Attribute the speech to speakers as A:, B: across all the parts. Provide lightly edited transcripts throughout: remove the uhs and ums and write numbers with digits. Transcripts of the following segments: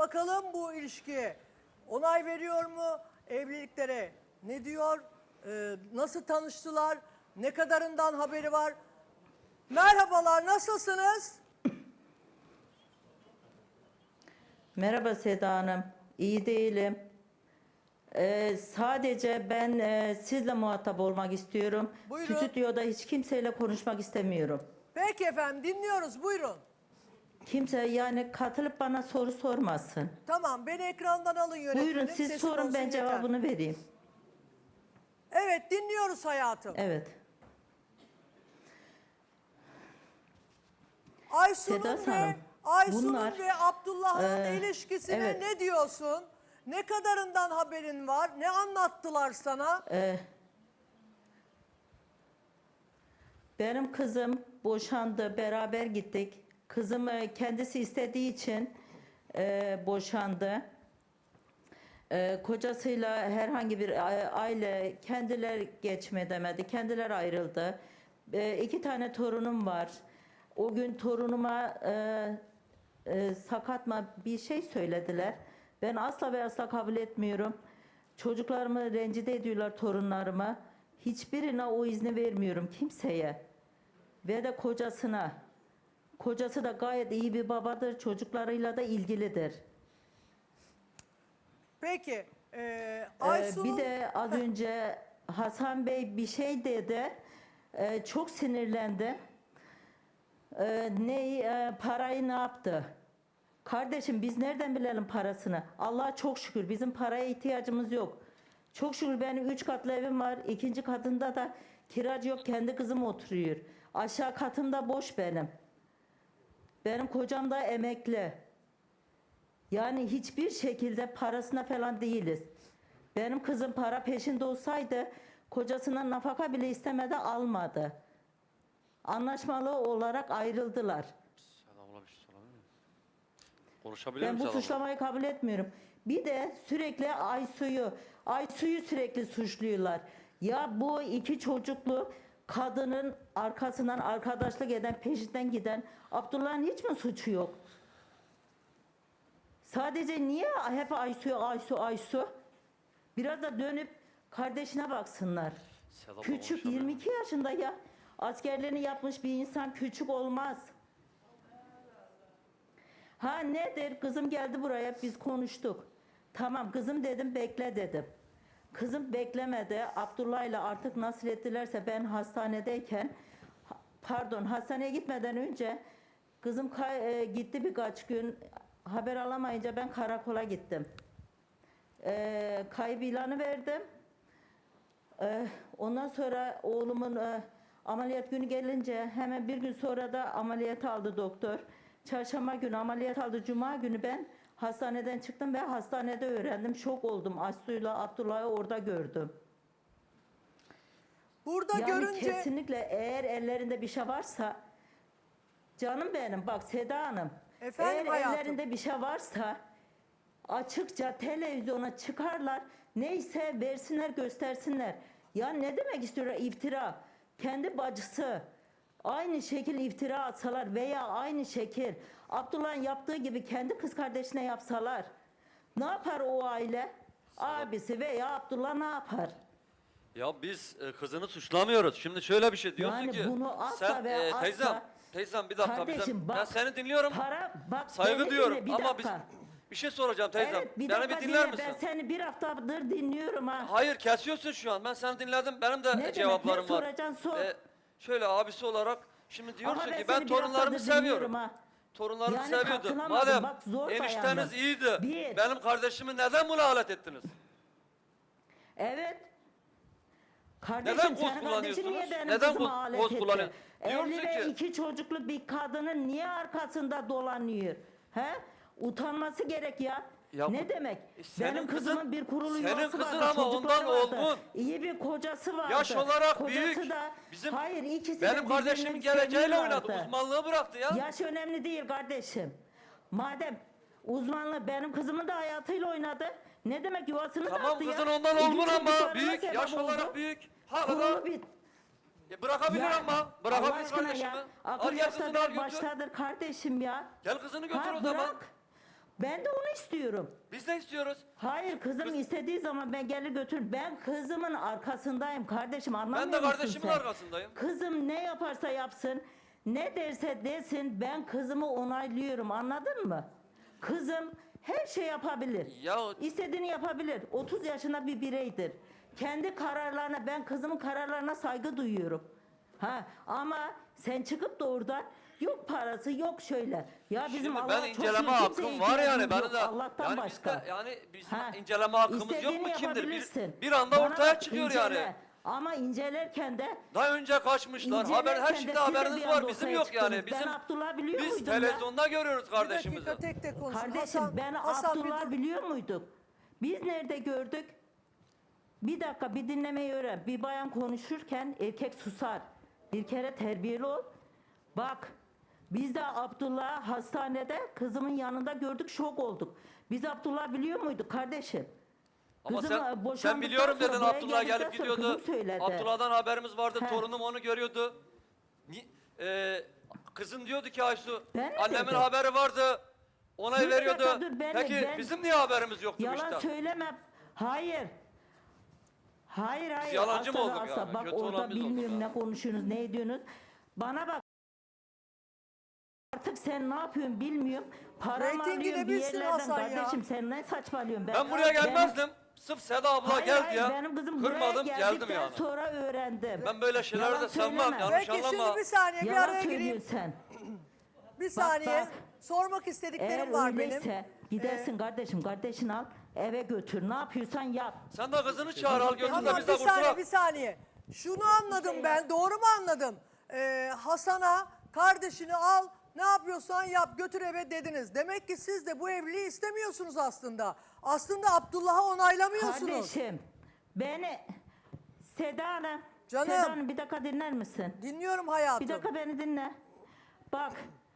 A: Bakalım bu ilişki onay veriyor mu evliliklere? Ne diyor? Nasıl tanıştılar? Ne kadarından haberi var? Merhabalar, nasılsınız?
B: Merhaba Seda Hanım. İyi değilim. Sadece ben sizle muhatap olmak istiyorum.
A: Buyurun.
B: Stüdyoda hiç kimseyle konuşmak istemiyorum.
A: Peki efendim, dinliyoruz, buyurun.
B: Kimse yani katılıp bana soru sormasın.
A: Tamam, beni ekrandan alın yönetmenim.
B: Buyurun siz
A: sesim
B: sorun,
A: olsun
B: ben
A: yeter.
B: cevabını vereyim.
A: Evet, dinliyoruz hayatım.
B: Evet.
A: Aysun'un
B: Sedat
A: ve
B: Hanım, bunlar,
A: ve Abdullah'ın ilişkisine
B: evet.
A: ne diyorsun? Ne kadarından haberin var? Ne anlattılar sana?
B: Benim kızım boşandı, beraber gittik. Kızım kendisi istediği için boşandı. Kocasıyla herhangi bir aile kendileri geçme demedi, kendileri ayrıldı. 2 tane torunum var. O gün torunuma sakatma bir şey söylediler. Ben asla ve asla kabul etmiyorum. Çocuklarımı rencide ediyorlar, torunlarımı. Hiçbirine o izni vermiyorum kimseye. Ve de kocasına. Kocası da gayet iyi bir babadır. Çocuklarıyla da ilgilidir.
A: Peki, Aysun'un...
B: Bir de az önce Hasan Bey bir şey dedi. Çok sinirlendi. Parayı ne yaptı? Kardeşim biz nereden bilelim parasını? Allah'a çok şükür bizim paraya ihtiyacımız yok. Çok şükür benim 3 katlı evim var. 2. katında da kiracı yok. Kendi kızım oturuyor. Aşağı katımda boş benim. Benim kocam da emekli. Yani hiçbir şekilde parasına falan değiliz. Benim kızım para peşinde olsaydı kocasından nafaka bile istemedi, almadı. Anlaşmalı olarak ayrıldılar.
C: Selamlar, bir şey sorabilir miyim? Konuşabilir
B: Ben
C: miyim
B: bu
C: selamlar?
B: suçlamayı kabul etmiyorum. Bir de sürekli Aysu'yu sürekli suçluyorlar. Ya bu 2 çocuklu kadının arkasından arkadaşlık eden, peşinden giden Abdullah'ın hiç mi suçu yok? Sadece niye hep Aysu? Biraz da dönüp kardeşine baksınlar.
C: Selamlar,
B: Küçük,
C: konuşabilir miyim?
B: 22 yaşında ya. Askerliğini yapmış bir insan küçük olmaz. Ha nedir? Kızım geldi buraya, biz konuştuk. Tamam kızım dedim, bekle dedim. Kızım beklemedi. Abdullah'la artık nasıl ettilerse ben hastanedeyken, hastaneye gitmeden önce kızım gitti birkaç gün. Haber alamayınca ben karakola gittim. Kayıp ilanı verdim. Ondan sonra oğlumun ameliyat günü gelince hemen bir gün sonra da ameliyat aldı doktor. Çarşamba günü ameliyat aldı. Cuma günü ben hastaneden çıktım ve hastanede öğrendim. Şok oldum. Aslı'yla Abdullah'ı orada gördüm.
A: Burada
B: Yani
A: görünce...
B: kesinlikle eğer ellerinde bir şey varsa, canım benim bak Seda Hanım,
A: Efendim
B: eğer
A: hayatım?
B: ellerinde bir şey varsa açıkça televizyona çıkarlar, neyse versinler, göstersinler. Ya ne demek istiyorlar iftira? Kendi bacısı aynı şekil iftira atsalar veya aynı şekil Abdullah'ın yaptığı gibi kendi kız kardeşine yapsalar ne yapar o aile? Abisi veya Abdullah ne yapar?
C: Ya biz kızını suçlamıyoruz. Şimdi şöyle bir şey diyorsun
B: Yani
C: ki
B: bunu asla
C: sen
B: ve asla-
C: teyzem bir dakika
B: Kardeşim
C: ben
B: bak,
C: seni dinliyorum.
B: bak
C: Saygı
B: beni
C: duyuyorum
B: dinle, bir
C: ama
B: dakika.
C: bir şey soracağım teyzem.
B: Evet, bir
C: Beni
B: dakika
C: bir dinler
B: dinle.
C: misin?
B: Ben seni bir haftadır dinliyorum ha.
C: Hayır, kesiyorsun şu an. Ben seni dinledim. Benim de
B: Ne demek,
C: cevaplarım
B: ne
C: var.
B: soracaksın, sor.
C: Şöyle abisi olarak şimdi diyorsun
B: Ama
C: ki
B: seni
C: ben
B: bir
C: torunlarımı
B: haftadır dinliyorum
C: seviyorum.
B: ha.
C: Torunlarımı
B: Yani
C: seviyordum.
B: katılamadım,
C: Madem
B: bak zor
C: enişteniz
B: dayandım.
C: iyiydi.
B: Bir.
C: Benim kardeşimi neden buna alet ettiniz?
B: Evet.
C: Neden
B: Kardeşim
C: koz
B: senin kardeşin niye
C: kullanıyorsunuz?
B: benim
C: Neden
B: kızıma alet
C: koz
B: etti?
C: kullanıyor?
B: Evli
C: Diyorsun
B: ve
C: ki-
B: 2 çocuklu bir kadının niye arkasında dolanıyor? He? Utanması gerek ya.
C: Ya
B: Ne
C: bu-
B: demek?
C: senin
B: Benim
C: kızın-
B: kızımın bir kurulu
C: senin
B: yuvası
C: kızın
B: vardı,
C: ama
B: çocukları
C: ondan
B: vardı.
C: olgun.
B: İyi bir kocası vardı.
C: Yaş olarak
B: Kocası
C: büyük.
B: Da,
C: Bizim
B: hayır ikisi de
C: benim kardeşimin
B: birbirini
C: geleceğiyle oynadı.
B: seviyorlardı.
C: Uzmanlığı bıraktı ya.
B: Yaş önemli değil kardeşim. Madem uzmanlığı benim kızımın da hayatıyla oynadı. Ne demek yuvasını
C: Tamam,
B: dağıttı ya.
C: kızın ondan
B: İki
C: olgun ama
B: çocuklarına
C: büyük.
B: sebep
C: Yaş
B: oldu.
C: olarak büyük. Hala
B: Kurulu
C: da
B: bir
C: bırakabilir
B: Ya,
C: ama.
B: Allah
C: Bırakabilir
B: aşkına
C: kardeşimi.
B: ya.
C: Al
B: Akıl
C: gel kızını al
B: yaştadır
C: götür.
B: baştadır kardeşim ya.
C: Gel kızını götür
B: Ha,
C: o zaman.
B: bırak. Ben de onu istiyorum.
C: Biz ne istiyoruz?
B: Hayır kızım istediği zaman ben gelir götür. Ben kızımın arkasındayım kardeşim, anlamıyor
C: Ben de
B: musun
C: kardeşimin
B: sen?
C: arkasındayım.
B: Kızım ne yaparsa yapsın, ne derse desin, ben kızımı onaylıyorum, anladın mı? Kızım her şey yapabilir.
C: Ya
B: İstediğini yapabilir. 30 yaşında bir bireydir. Kendi kararlarına, ben kızımın kararlarına saygı duyuyorum. Ha, ama sen çıkıp da oradan yok parası yok şöyle. Ya bizim
C: şimdi
B: Allah
C: ben
B: çok
C: inceleme
B: iyi, kimseye
C: hakkım var yani
B: ihtiyacımız
C: benim
B: yok
C: de.
B: Allah'tan
C: Yani
B: başka.
C: bizde yani bizim
B: Ha,
C: inceleme hakkımız yok
B: istediğini
C: mu kimdir?
B: yapabilirsin.
C: Bir anda
B: Bana
C: ortaya
B: bak,
C: çıkıyor
B: incele.
C: yani.
B: Ama incelerken de
C: Daha önce kaçmışlar. Haber her
B: İncelerken de
C: şeyde
B: siz de
C: haberiniz
B: bir
C: var.
B: anda
C: Bizim
B: ortaya
C: yok yani.
B: çıktınız. Ben
C: Bizim
B: Abdullah biliyor
C: biz
B: muydum ya?
C: televizyonda görüyoruz
A: Bir
C: kardeşimizi.
A: dakika tek tek konuşun.
B: Kardeşim ben
A: Hasan bir
B: Abdullah
A: dur.
B: biliyor muyduk? Biz nerede gördük? Bir dakika bir dinlemeyi öğren. Bir bayan konuşurken erkek susar. Bir kere terbiyeli ol. Bak biz de Abdullah hastanede kızımın yanında gördük, şok olduk. Biz Abdullah biliyor muyduk kardeşim?
C: Ama
B: Kızım,
C: sen
B: boşandıktan
C: biliyorum
B: sonra
C: dedin
B: buraya
C: Abdullah
B: geldikten
C: gelip
B: sonra
C: gidiyordu.
B: kızım söyledi.
C: Abdullah'dan haberimiz vardı.
B: He.
C: Torunum onu görüyordu. Kızın diyordu ki Aysu
B: Ben mi
C: annemin
B: dedim?
C: haberi vardı. Onay
B: Dur bir
C: veriyordu.
B: dakika, dur,
C: Peki
B: ben-
C: bizim niye haberimiz yoktu bu
B: Yalan
C: işten?
B: söyleme. Hayır. Hayır hayır.
C: yalancı mı
B: Asla ve
C: olduk
B: asla.
C: yani?
B: Bak
C: Kötü
B: orada
C: olan biz olduk
B: bilmiyorum
C: yani.
B: ne konuşuyorsunuz, ne ediyorsunuz. Bana bak. Artık sen ne yapıyorsun bilmiyorum. Paramı
A: Reytingini
B: alıyorsun bir
A: bilsin
B: yerlerden
A: Hasan ya.
B: kardeşim, sen ne saçmalıyorsun?
C: Ben buraya gelmezdim. Sırf Seda abla
B: Hayır,
C: geldi
B: hayır,
C: ya.
B: benim kızım buraya
C: Kırmadım geldim
B: geldikten
C: yani.
B: sonra öğrendim.
C: Ben böyle şeyleri
B: Yalan
C: de sevmem.
B: söyleme.
C: Yanlış
A: Peki
C: anlama.
A: şimdi bir saniye bir
B: Yalan
A: araya gireyim.
B: söylüyorsun sen.
A: Bir saniye.
B: bak.
A: Sormak istediklerim
B: Eğer
A: var
B: öyleyse
A: benim.
B: gidersin kardeşim, kardeşini al eve götür. Ne yapıyorsan yap.
C: Sen de kızını çağır al götür de
A: Tamam
C: biz de
A: bir saniye
C: kurtulalım.
A: bir saniye. Şunu anladım ben doğru mu anladım? Hasan'a kardeşini al ne yapıyorsan yap götür eve dediniz. Demek ki siz de bu evliliği istemiyorsunuz aslında. Aslında Abdullah'ı onaylamıyorsunuz.
B: Kardeşim beni Seda Hanım.
A: Canım.
B: Seda Hanım bir dakika dinler misin?
A: Dinliyorum hayatım.
B: Bir dakika beni dinle. Bak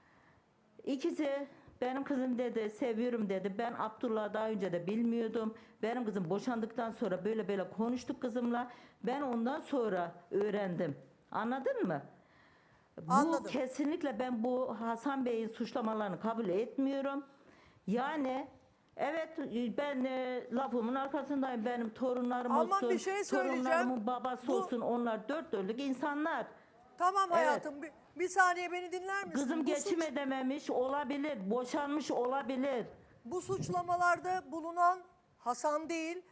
B: ikisi benim kızım dedi, seviyorum dedi. Ben Abdullah'ı daha önce de bilmiyordum. Benim kızım boşandıktan sonra böyle böyle konuştuk kızımla. Ben ondan sonra öğrendim. Anladın mı?
A: Anladım.
B: Bu kesinlikle ben bu Hasan Bey'in suçlamalarını kabul etmiyorum. Yani evet ben lafımın arkasındayım. Benim torunlarım
A: Ama
B: olsun,
A: bir şey söyleyeceğim.
B: torunlarımın babası
A: Bu-
B: olsun. Onlar dört dörtlük insanlar.
A: Tamam
B: Evet.
A: hayatım bir saniye beni dinler misin?
B: Kızım
A: Bu
B: geçim edememiş olabilir, boşanmış olabilir.
A: Bu suçlamalarda bulunan Hasan değil,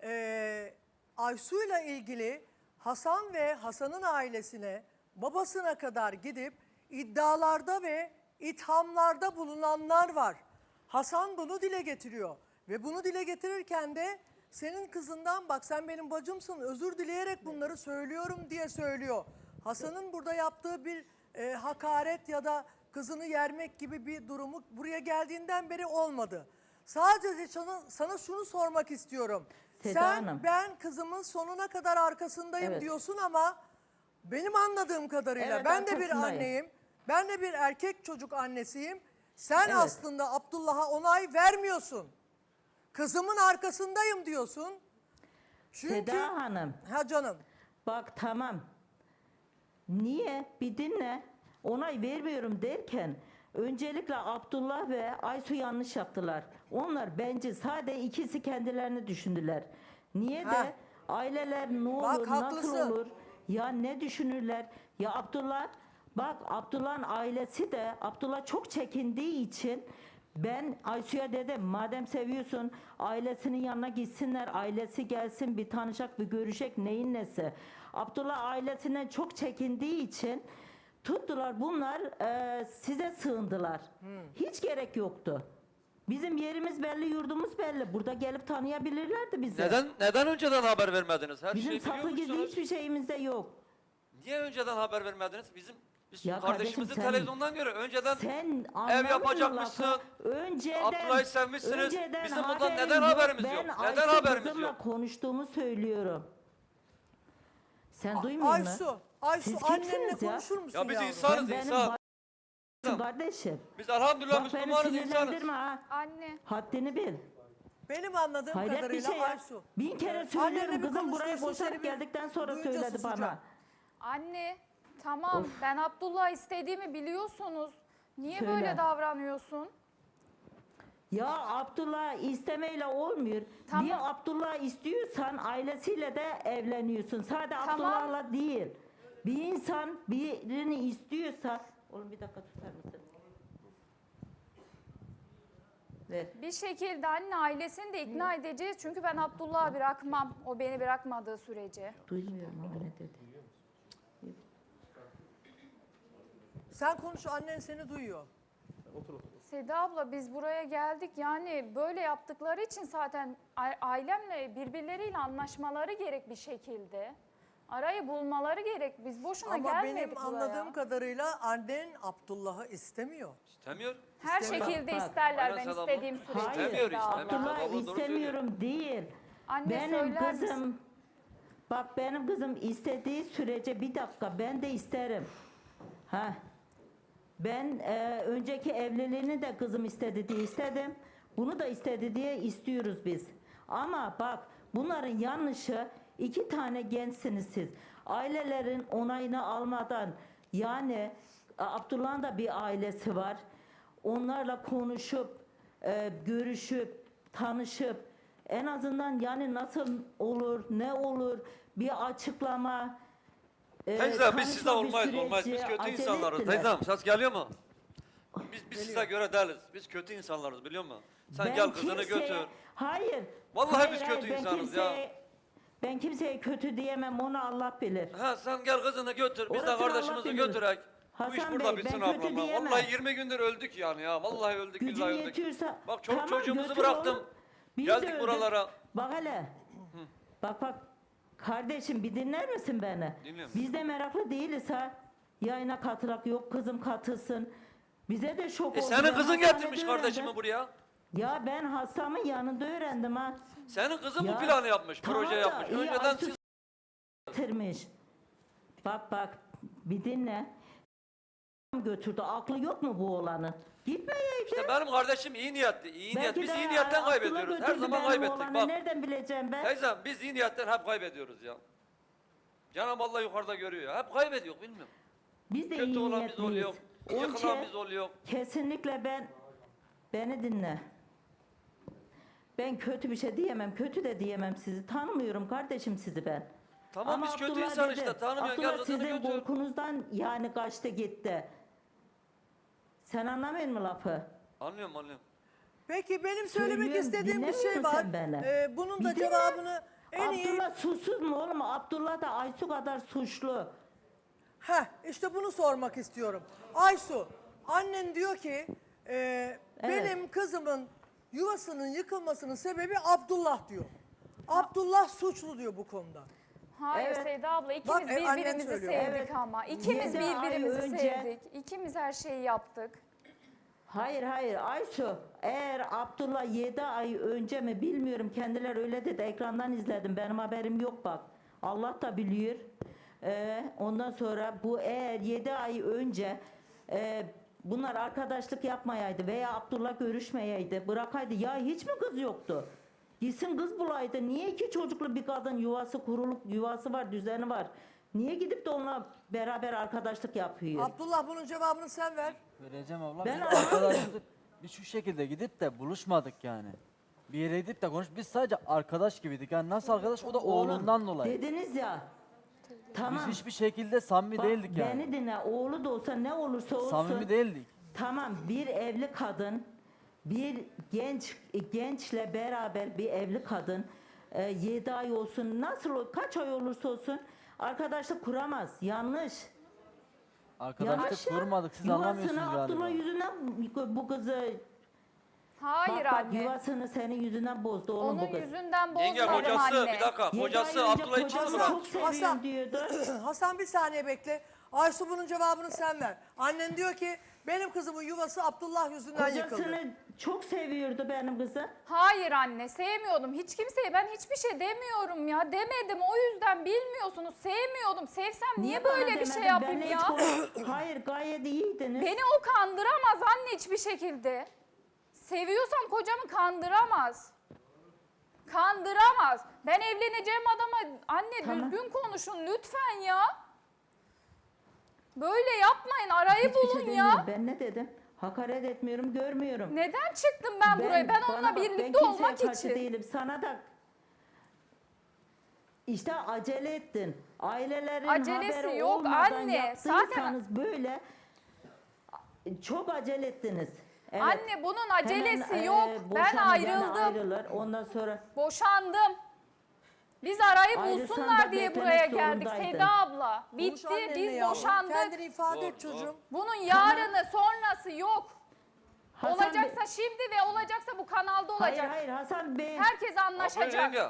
A: Aysu'yla ilgili Hasan ve Hasan'ın ailesine, babasına kadar gidip iddialarda ve ithamlarda bulunanlar var. Hasan bunu dile getiriyor ve bunu dile getirirken de senin kızından bak sen benim bacımsın özür dileyerek bunları söylüyorum diye söylüyor. Hasan'ın burada yaptığı bir hakaret ya da kızını yermek gibi bir durumu buraya geldiğinden beri olmadı. Sadece sana şunu sormak istiyorum.
B: Seda
A: Sen
B: Hanım.
A: ben kızımın sonuna kadar arkasındayım
B: Evet.
A: diyorsun ama benim anladığım kadarıyla
B: Evet,
A: ben de bir
B: arkasındayım.
A: anneyim. Ben de bir erkek çocuk annesiyim. Sen
B: Evet.
A: aslında Abdullah'a onay vermiyorsun. Kızımın arkasındayım diyorsun. Çünkü
B: Seda Hanım,
A: ha canım.
B: bak tamam. Niye? Bir dinle. Onay vermiyorum derken öncelikle Abdullah ve Aysu yanlış yaptılar. Onlar bence sadece ikisi kendilerini düşündüler. Niye
A: Ha.
B: de aileler ne olur,
A: Bak,
B: nasıl
A: haklısın.
B: olur? Ya ne düşünürler? Ya Abdullah, bak Abdullah'ın ailesi de Abdullah çok çekindiği için ben Aysu'ya dedim madem seviyorsun ailesinin yanına gitsinler, ailesi gelsin bir tanışacak bir görecek neyin nesi. Abdullah ailesinden çok çekindiği için tuttular bunlar size sığındılar. Hiç gerek yoktu. Bizim yerimiz belli, yurdumuz belli. Burada gelip tanıyabilirlerdi bizi.
C: Neden önceden haber vermediniz? Her
B: Bizim
C: şeyi biliyor
B: saklı gizli
C: musunuz?
B: hiçbir şeyimiz de yok.
C: Niye önceden haber vermediniz? Biz
B: Ya
C: kardeşimizi
B: kardeşim sen-
C: televizyondan görüyor. Önceden
B: Sen
C: ev yapacakmışsın.
B: Önceden,
C: Abdullah'ı sevmişsiniz.
B: önceden
C: Bizim bundan
B: haberim
C: neden
B: yok.
C: haberimiz yok?
B: Ben
C: Neden
B: Ayşe
C: haberimiz
B: kızımla
C: yok?
B: konuştuğumu söylüyorum. Sen duymuyor musun?
A: Aysu
B: Siz
A: annenle
B: kimsiniz ya?
A: konuşur musun
C: Ya biz
A: yavrum?
C: insan-
B: Sen benim
C: insan.
B: bacım kardeşim.
C: Biz elhamdülillah
B: Bak beni
C: Müslümanız insanız.
B: sinirlendirme ha.
D: Anne,
B: Haddini bil.
A: Benim anladığım
B: Hayret bir
A: kadarıyla
B: şey ya.
A: Aysu.
B: Bin kere
A: Annenle
B: söylüyorum
A: bir
B: kızım buraya
A: konuşuyorsun, seni
B: boşanıp
A: bir
B: geldikten sonra
A: duyunca
B: söyledi
A: susacağım.
B: bana.
D: anne. Tamam, ben Abdullah istediğimi biliyorsunuz. Niye
B: Söyle.
D: böyle davranıyorsun?
B: Ya Abdullah istemeyle olmuyor.
D: Tamam.
B: Bir Abdullah istiyorsan ailesiyle de evleniyorsun. Sadece
D: Tamam.
B: Abdullah'la değil. Bir insan birini istiyorsa... Oğlum bir dakika tutar mısın? Ver.
D: Bir şekilde anne ailesini de ikna edeceğiz. Çünkü ben Abdullah'ı bırakmam. O beni bırakmadığı sürece.
B: Duymuyorum ama ne dedi.
A: Sen konuş, annen seni duyuyor.
D: Seda abla biz buraya geldik. Yani böyle yaptıkları için zaten ailemle birbirleriyle anlaşmaları gerek bir şekilde. Arayı bulmaları gerek. Biz boşuna
A: Ama
D: gelmedik
A: benim
D: buraya.
A: anladığım kadarıyla annen Abdullah'ı istemiyor.
C: İstemiyor.
D: Her
A: İstemiyor.
D: şekilde
B: Bak,
D: isterler
C: aynen
D: ben
C: Seda abla.
D: istediğim sürece.
B: Hayır,
C: İstemiyor
D: Seda
C: işte,
D: abla.
C: Abdullah
B: Abdullah
C: doğru
B: istemiyorum değil.
D: Anne
B: Benim
D: söyler misin?
B: kızım, bak benim kızım istediği sürece bir dakika ben de isterim. Ha. Ben önceki evliliğini de kızım istedi diye istedim. Bunu da istedi diye istiyoruz biz. Ama bak bunların yanlışı 2 tane gençsiniz siz. Ailelerin onayını almadan yani Abdullah'ın da bir ailesi var. Onlarla konuşup, görüşüp, tanışıp en azından yani nasıl olur, ne olur bir açıklama.
C: Teyze
B: tanışma
C: biz sizde
B: bir
C: olmayız olmayız. Biz
B: süreci
C: kötü
B: acele
C: insanlarız.
B: ettiler.
C: Teyzem ses geliyor mu? Biz size göre değiliz. Biz kötü insanlarız biliyor musun? Sen
B: Ben
C: gel kızını
B: kimseye-
C: götür.
B: Hayır.
C: Vallahi
B: hayır,
C: biz
B: hayır,
C: kötü
B: ben
C: insanız ya.
B: Ben kimseye kötü diyemem, onu Allah bilir.
C: Ha sen gel kızını götür. Biz de
B: Orasını Allah
C: kardeşimizi
B: bilir.
C: götürek. Bu iş
B: Hasan
C: burada
B: Bey,
C: bitsin
B: ben kötü
C: ablam.
B: diyemem.
C: Vallahi 20 gündür öldük yani ya. Vallahi öldük
B: Gücün
C: billahi öldük.
B: yetiyorsa...
C: Bak çoluk
B: tamam,
C: çocuğumuzu
B: götür
C: bıraktım.
B: oğlum. Biz
C: Geldik
B: de öldük.
C: buralara.
B: Bak hele. Bak. Kardeşim bir dinler misin beni?
C: Dinliyorum.
B: Biz de meraklı değiliz ha. Yayına katılak yok, kızım katılsın. Bize de şok oldu.
C: Senin
B: Ben
C: kızın
B: hastanede
C: getirmiş
B: öğrendim.
C: kardeşimi buraya.
B: Ya ben hastamın yanında öğrendim ha.
C: Senin kızın
B: Ya,
C: bu planı yapmış,
B: tamam
C: proje
B: da
C: yapmış.
B: iyi,
C: Önceden
B: Aysu
C: siz
B: getirmiş. Bak bir dinle. Götürdü. Aklı yok mu bu oğlanın? Gitmeyeydi.
C: İşte benim kardeşim iyi niyetli. İyi niyet.
B: Belki
C: Biz
B: de
C: iyi niyetten
B: aklıma
C: kaybediyoruz. Her
B: götürdü
C: zaman
B: benim
C: kaybettik.
B: oğlanı.
C: Bak.
B: Nereden bileceğim ben?
C: Teyzem biz iyi niyetten hep kaybediyoruz ya. Cenab-ı Allah yukarıda görüyor. Hep kaybediyor bilmiyorum.
B: Biz de
C: Kötü
B: iyi
C: olan biz oluyor.
B: niyetliyiz.
C: Yıkılan biz oluyor.
B: Kesinlikle beni dinle. Ben kötü bir şey diyemem. Kötü de diyemem sizi. Tanımıyorum kardeşim sizi ben.
C: Tamam biz kötü
B: Abdullah
C: insan
B: dedi,
C: işte. Tanımıyorsun gel
B: Abdullah
C: kızını
B: sizin
C: götür.
B: korkunuzdan yani kaçtı gitti. Sen anlamıyor musun lafı?
C: Anlıyorum anlıyorum.
A: Peki benim söylemek
B: Söylüyorum,
A: istediğim bir şey
B: dinlemiyorsun
A: var.
B: sen beni.
A: Bunun da
B: Bir dinle.
A: cevabını en iyi...
B: Abdullah suçsuz mu oğlum? Abdullah da Aysu kadar suçlu.
A: İşte bunu sormak istiyorum. Aysu, annen diyor ki benim kızımın yuvasının yıkılmasının sebebi Abdullah diyor. Abdullah suçlu diyor bu konuda.
D: Hayır
B: Evet.
D: Seda abla
A: Bak,
D: ikimiz
A: annen
D: birbirimizi
A: söylüyor.
D: sevdik
B: Evet.
D: ama. İkimiz
B: 7 ay
D: birbirimizi
B: önce-
D: sevdik. İkimiz her şeyi yaptık.
B: Hayır Aysu, eğer Abdullah 7 ay önce mi bilmiyorum, kendileri öyle dedi, ekrandan izledim, benim haberim yok bak. Allah da biliyor. Ondan sonra bu eğer 7 ay önce bunlar arkadaşlık yapmayaydı veya Abdullah görüşmeyeydi, bırakaydı, ya hiç mi kız yoktu? Gitsin kız bulaydı. Niye 2 çocuklu bir kadın yuvası kurulup yuvası var, düzeni var. Niye gidip de onunla beraber arkadaşlık yapıyor?
A: Abdullah bunun cevabını sen ver.
E: Vereceğim abla.
B: Ben
E: Biz
B: anlamadım.
E: arkadaşlık biz şu şekilde gidip de buluşmadık yani. Bir yere gidip de biz sadece arkadaş gibiydik. Yani nasıl arkadaş? O da oğlundan dolayı.
B: Dediniz ya. Tamam.
E: Biz hiçbir şekilde samimi
B: Bak,
E: değildik yani.
B: Beni dinle. Oğlu da olsa ne olursa olsun.
E: Samimi değildik.
B: Tamam, bir evli kadın, bir gençle beraber bir evli kadın 7 ay olsun, kaç ay olursa olsun arkadaşlık kuramaz. Yanlış.
E: Arkadaşlık
B: ya.
E: kurmadık. Siz
B: Yuvasını
E: anlamıyorsunuz
B: Abdullah
E: galiba.
B: yüzünden bu kızı
D: Hayır
B: bak,
D: anne.
B: yuvasını senin yüzünden bozdu oğlum bu
D: Onun
B: kız.
D: yüzünden
C: Yenge
D: bozmadım
C: kocası
D: anne.
C: bir dakika.
B: 7
C: Kocası
B: ay önce
C: Abdullah için mi
B: kocası
C: bırak?
B: çok seviyorum
A: Hasan.
B: diyordu.
A: Hasan bir saniye bekle. Aysu bunun cevabını sen ver. Annen diyor ki benim kızımın yuvası Abdullah yüzünden yıkıldı.
B: Kocasını çok seviyordu benim kızı.
D: Hayır anne sevmiyordum. Hiç kimseye ben hiçbir şey demiyorum ya. Demedim o yüzden bilmiyorsunuz. Sevmiyordum. Sevsem niye
B: bana
D: böyle bir şey
B: demedin?
D: yapayım
B: Benle
D: ya?
B: hiç Hayır gayet iyiydiniz.
D: Beni o kandıramaz anne hiçbir şekilde. Seviyorsam kocamı kandıramaz. Kandıramaz. Ben evleneceğim adama anne
B: Tamam.
D: düzgün konuşun lütfen ya. Böyle yapmayın arayı
B: Hiçbir şey
D: bulun
B: demiyorum.
D: ya.
B: Ben ne dedim? Hakaret etmiyorum, görmüyorum.
D: Neden çıktım ben buraya? Ben onunla
B: bana bak,
D: birlikte
B: ben kimseye
D: olmak
B: karşı
D: için.
B: değilim. Sana da işte acele ettin. Ailelerin
D: Acelesi
B: haberi
D: yok
B: olmadan
D: anne.
B: yaptıysanız böyle çok acele ettiniz. Evet.
D: Anne bunun acelesi
B: Hemen,
D: yok. Ben
B: boşanma, yani
D: ayrıldım.
B: ayrılır. Ondan sonra
D: Boşandım. Biz arayı
B: Ayrılsan
D: bulsunlar
B: da
D: diye
B: beklemek
D: buraya geldik
B: zorundaydın.
D: Seda abla.
A: Konuş
D: Bitti,
A: annenle
D: biz
A: yavrum.
D: boşandık.
A: Kendini ifade
C: Doğru,
A: et çocuğum.
D: Bunun yarını sonrası yok.
B: Hasan
D: Olacaksa
B: Bey-
D: şimdi ve olacaksa bu kanalda olacak.
B: Hayır hayır Hasan Bey.
D: Herkes
C: Aferin
D: anlaşacak.
C: yenge.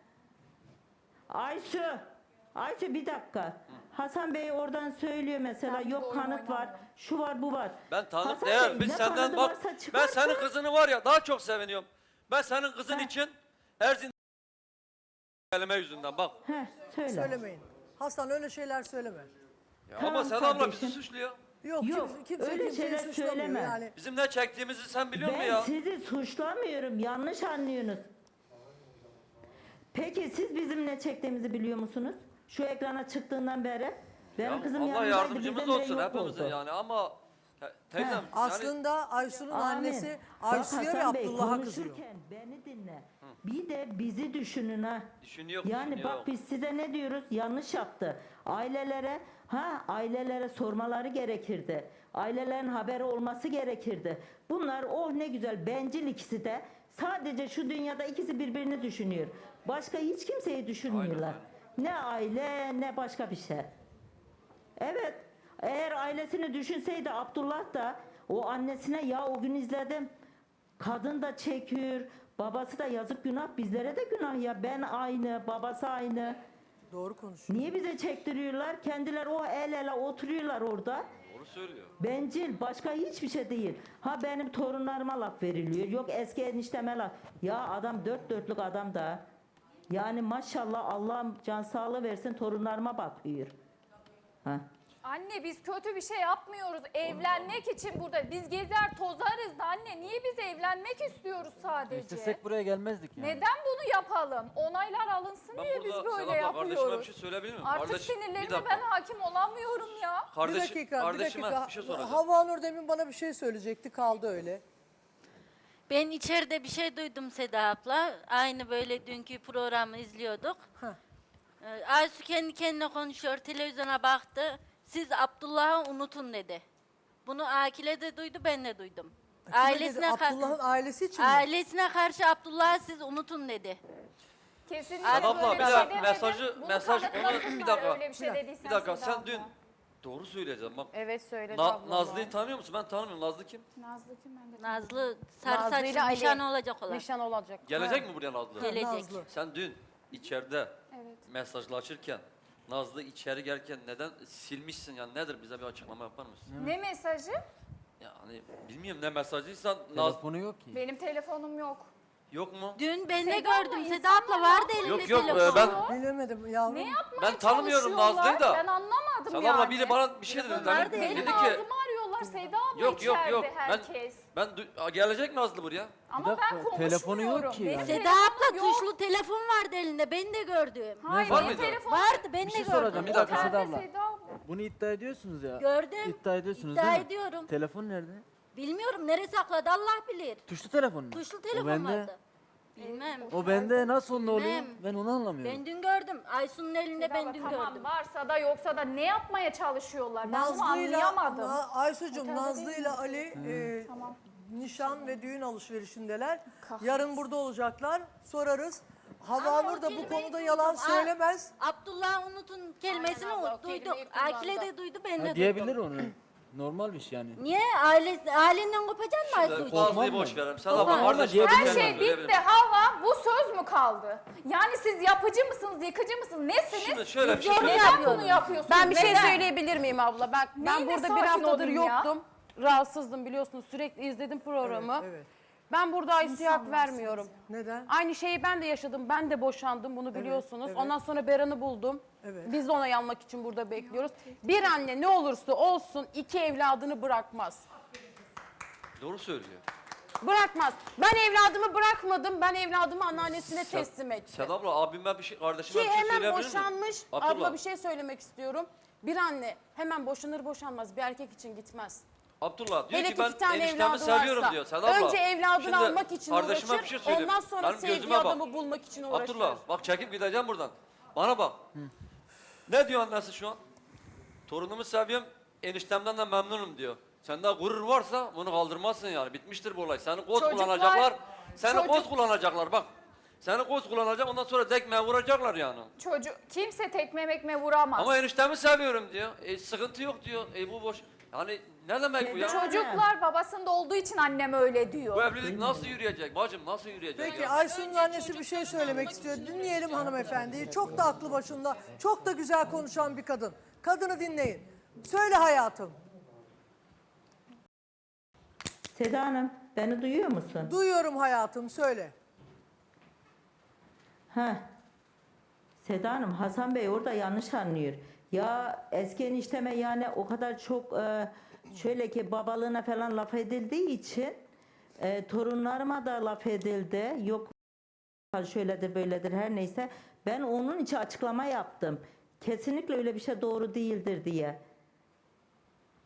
B: Ayşe bir dakika. Hasan Bey oradan söylüyor mesela
D: Ben
B: yok
D: bu oyunu
B: kanıt var,
D: oynamıyorum.
B: şu var bu var.
C: Ben tanık
B: Hasan
C: değer.
B: Bey,
C: Biz
B: ne
C: senden
B: kanadı
C: bak.
B: varsa
C: Ben
B: çıkarsa-
C: senin kızını var ya daha çok seviniyorum. Ben senin kızın için Erzin kelime yüzünden bak.
B: Heh, söyle.
A: Söylemeyin. Hasan öyle şeyler söyleme.
C: Ya
B: Tamam
C: ama Seda abla
B: kardeşim.
C: bizi suçluyor.
A: Yok,
B: Yok,
A: kimse
B: öyle
A: kimseyi
B: şeyler
A: suçlamıyor
B: söyleme.
A: yani.
C: Bizim ne çektiğimizi sen biliyor musun
B: Ben
C: ya?
B: sizi suçlamıyorum, yanlış anlıyorsunuz. Peki siz bizim ne çektiğimizi biliyor musunuz? Şu ekrana çıktığından beri. Benim
C: Ya
B: kızım
C: Allah
B: yanımdaydı,
C: yardımcımız
B: birdenbire
C: olsun
B: yok
C: hepimizin
B: oldu.
C: yani ama teyzem yani
A: Aslında Aysun'un
B: Amin.
A: annesi
B: Bak
A: Aysu'ya ve
B: Hasan Bey,
A: Abdullah'a kızıyor.
B: konuşurken beni dinle. Bir de bizi düşünün ha.
C: düşünüyor.
B: Yani bak biz size ne diyoruz? Yanlış yaptı. Ailelere sormaları gerekirdi. Ailelerin haberi olması gerekirdi. Bunlar ne güzel bencil ikisi de. Sadece şu dünyada ikisi birbirini düşünüyor. Başka hiç kimseyi düşünmüyorlar. Ne aile ne başka bir şey. Evet. Eğer ailesini düşünseydi Abdullah da o annesine ya o gün izledim. Kadın da çekiyor. Babası da yazık günah. Bizlere de günah ya. Ben aynı. Babası aynı.
A: Doğru konuşuyor.
B: Niye bize çektiriyorlar? Kendileri o el ele oturuyorlar orada.
C: Doğru söylüyor.
B: Bencil. Başka hiçbir şey değil. Ha benim torunlarıma laf veriliyor. Yok eski enişteme laf. Ya adam dört dörtlük adam da. Yani maşallah Allah'ım can sağlığı versin torunlarıma bakıyor. Ha.
D: Anne biz kötü bir şey yapmıyoruz. Evlenmek için burada. Biz gezer tozarız da anne. Niye biz evlenmek istiyoruz sadece?
E: İstesek buraya gelmezdik yani.
D: Neden bunu yapalım? Onaylar alınsın
C: Ben
D: diye biz
C: burada
D: böyle
C: Seda abla kardeşime bir
D: yapıyoruz.
C: şey söyleyebilir miyim?
D: Artık
C: Kardeş, bir
D: sinirlerime
C: dakika.
D: ben hakim olamıyorum ya.
A: Bir dakika,
C: kardeşime bir şey soracağım.
A: Havva Nur demin bana bir şey söyleyecekti, kaldı öyle.
F: Ben içeride bir şey duydum Seda abla. Aynı böyle dünkü programı izliyorduk.
A: Heh.
F: Aysu kendi kendine konuşuyor, televizyona baktı. Siz Abdullah'ı unutun dedi. Bunu Akile de duydu, ben de duydum.
A: Abdullah'ın ailesi için mi?
F: ailesine karşı Abdullah'ı siz unutun dedi.
D: Kesinlikle
F: Seda
C: abla,
D: böyle
C: bir
D: şey
C: dakika,
D: demedim. Bunu
C: mesaj-
D: kanıtlasınlar
C: bir dakika.
D: öyle bir şey dediysen
C: Bir dakika
D: Seda
C: sen
D: abla.
C: dün doğru söyleyeceğim bak.
G: Evet söyledi ablam.
C: Nazlı'yı tanıyor musun? Ben tanımıyorum. Nazlı kim?
D: Nazlı kim ben de
F: Nazlı sarı
G: Nazlı'yla
F: saçlı
G: Ali.
F: nişan olacak olan.
G: Nişan olacak.
C: Gelecek mi buraya Nazlı?
F: Gelecek.
A: Nazlı.
C: Sen dün içeride
D: Evet.
C: mesajlaşırken Nazlı içeri gelirken neden silmişsin yani nedir bize bir açıklama yapar mısın?
D: Ne mesajı?
C: Yani bilmiyorum ne mesajıysan Nazlı
E: Telefonu yok ki.
D: Benim telefonum yok.
C: yok mu?
F: Dün ben de
D: Seda abla,
F: gördüm. Seda
D: insanlar
F: abla vardı elinde
C: Yok, yok,
F: telefonu.
C: ben-
A: Bilemedim yavrum.
D: Ne yapmaya
C: Ben tanımıyorum
D: çalışıyorlar?
C: Nazlı'yı da.
D: Ben anlamadım
C: Sen
D: yani.
C: abla biri bana bir şey dedi.
F: Telefonlar
C: Hani
F: değil.
C: dedi
D: Benim
C: ki
D: ağzımı arıyorlar Seda abla
C: yok yok
D: içeride
C: yok
D: herkes.
C: gelecek Nazlı buraya.
D: Ama
E: dakika,
D: ben konuşmuyorum.
E: telefonu yok ki
D: Benim
E: yani.
F: Seda
D: telefonum
F: abla
D: yok.
F: tuşlu telefon vardı elinde. Ben de gördüm.
D: Hayır
C: Var
D: benim
C: mıydı?
D: telefonum
F: Vardı ben
E: Bir
F: de
E: şey
F: gördüm.
E: soracağım, bir dakika Seda
D: Otelde
E: abla.
D: Seda abla.
E: Bunu iddia ediyorsunuz ya.
F: Gördüm.
E: İddia ediyorsunuz
F: İddia
E: değil mi?
F: ediyorum.
E: Telefon nerede?
F: Bilmiyorum nereye sakladı Allah bilir.
E: Tuşlu telefon mu?
F: Tuşlu
E: O
F: telefon
E: bende.
F: vardı. Bilmem.
E: O bende nasıl onda oluyor?
F: Bilmem.
E: Ben onu anlamıyorum.
F: Ben dün gördüm. Aysun'un elinde
D: Seda abla,
F: ben dün
D: tamam
F: gördüm.
D: varsa da yoksa da ne yapmaya çalışıyorlar? Ben bunu
A: Nazlı'yla,
D: anlayamadım.
A: Aysu'cum
D: Otelde
A: Nazlı'yla Ali
D: Tamam.
A: nişan ve düğün alışverişindeler. Yarın burada olacaklar. Sorarız. Havva
F: Ama
A: Nur
F: o
A: da bu
F: kelimeyi
A: konuda
F: duydum.
A: yalan
F: Aa,
A: söylemez.
F: Abdullah unutun kelimesini
G: Aynen abla, o
F: duyduk.
G: kelimeyi kullandı.
F: Akile de duydu ben de
E: Ha,
F: duydum.
E: diyebilir onu. Normal bir şey yani.
F: Niye? Ailenden kopacaksın mı Aysu için?
C: Nazlı'yı
E: Korkmam
C: boş
E: ben.
C: verelim. Sen
F: Korkmam.
C: abla kardeşim.
E: Her
D: Her
C: kendin
D: şey
C: söyleyebilirim.
D: bitti Hava. Bu söz mü kaldı? Yani siz yapıcı mısınız, yıkıcı mısınız? Nesiniz?
C: Şimdi şöyle bir şey
F: Biz
C: söyleyeyim.
D: Neden bunu yapıyorsunuz?
G: Ben bir şey
D: Neden?
G: söyleyebilir miyim abla? Ben
D: Neyine
G: burada bir
D: sakin
G: haftadır
D: olayım ya?
G: yoktum. Rahatsızdım biliyorsunuz. Sürekli izledim programı.
A: Evet.
G: Ben burada Aysu'ya hak vermiyorum.
A: Neden?
G: Aynı şeyi ben de yaşadım. Ben de boşandım bunu biliyorsunuz.
A: evet.
G: Ondan sonra Beran'ı buldum.
A: Evet.
G: Biz de onay almak için burada bekliyoruz. Bir anne ne olursa olsun iki evladını bırakmaz.
C: Doğru söylüyor.
G: Bırakmaz. Ben evladımı bırakmadım. Ben evladımı anneannesine teslim ettim.
C: Seda abla abime bir şey kardeşime
G: Ki
C: bir şey
G: hemen
C: söyleyebilir miyim?
G: boşanmış.
C: Abdullah.
G: Abla bir şey söylemek istiyorum. Bir anne hemen boşanır boşanmaz bir erkek için gitmez.
C: Abdullah diyor
G: Hele
C: ki
G: ki
C: ben
G: iki tane
C: eniştemi
G: evladı
C: seviyorum
G: varsa.
C: diyor. Seda abla,
G: Önce evladını
C: şimdi
G: almak için
C: kardeşime
G: uğraşır.
C: bir şey söyleyeyim.
G: Ondan sonra
C: Benim
G: sevdiği
C: gözüme bak.
G: adamı bulmak için uğraşır.
C: Abdullah bak çekip gideceğim buradan. Bana bak. Ne diyor annesi şu an? Torunumu seviyorum, eniştemden de memnunum diyor. Sende gurur varsa bunu kaldırmazsın yani. Bitmiştir bu olay. Seni koz
D: Çocuklar-
C: kullanacaklar. Seni
D: çocuk-
C: koz kullanacaklar bak. Seni koz kullanacak ondan sonra dekmeye vuracaklar yani.
D: Kimse tekme mekme vuramaz.
C: Ama eniştemi seviyorum diyor. Sıkıntı yok diyor. Bu boş. Yani ne demek bu ya?
D: Çocuklar babasında olduğu için annem öyle
C: Bu
D: diyor.
C: evlilik nasıl yürüyecek bacım? Nasıl yürüyecek
A: Peki
C: ya?
A: Aysun'un annesi bir şey söylemek istiyor. Dinleyelim hanımefendiyi. Çok da aklı başında, çok da güzel konuşan bir kadın. Kadını dinleyin. Söyle hayatım.
B: Seda Hanım beni duyuyor musun?
A: Duyuyorum hayatım, söyle.
B: Ha. Seda Hanım, Hasan Bey orada yanlış anlıyor. Ya eski enişteme yani o kadar çok şöyle ki babalığına falan laf edildiği için torunlarıma da laf edildi. Yok şöyledir böyledir her neyse. Ben onun için açıklama yaptım. Kesinlikle öyle bir şey doğru değildir diye.